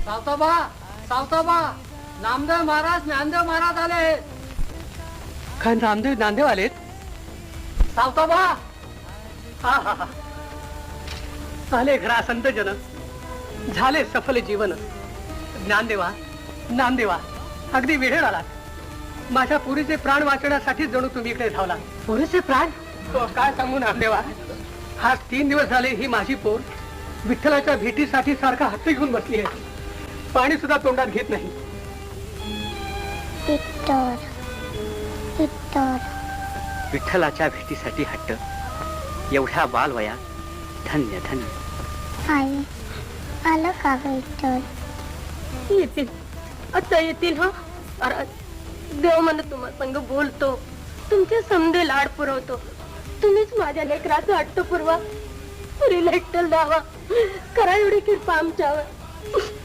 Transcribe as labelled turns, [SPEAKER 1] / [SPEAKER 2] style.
[SPEAKER 1] सावताबा सावताबा, नामदेव महाराज ज्ञानदेव महाराज आले. काय नामदेव ज्ञानदेव आलेत? सावताबा, हा हा हा, आले घरा संत जन, झाले सफल जीवन. ज्ञानदेवा नामदेवा, अगदी वेळेवर आलात. माझ्या पुरीचे प्राण वाचवण्यासाठी जणू तुम्ही इकडे धावला. पुरीचे प्राण? हो, काय सांगू नामदेवा. आज 3 दिवस झाले ही माझी पोर विठ्ठलाच्या भेटीसाठी सारखा हत्ती घेऊन बसली आहे. पाणी सुद्धा तोंडात घेत नाही. विठ्ठलाच्या भेटीसाठी हट्ट, एवढ्या बालवया. धन्य धन्य.
[SPEAKER 2] आई आलं का विठ्ठल?
[SPEAKER 3] येतील, आता येतील. हा, अरे देव मला तुम्हा संग बोलतो, तुमचे समधे लाड पुरवतो. तुम्हीच माझ्या लेकराचा हट्ट पुरवा, पुरीला एकटल द्यावा. करा एवढी कृपा आमच्यावर.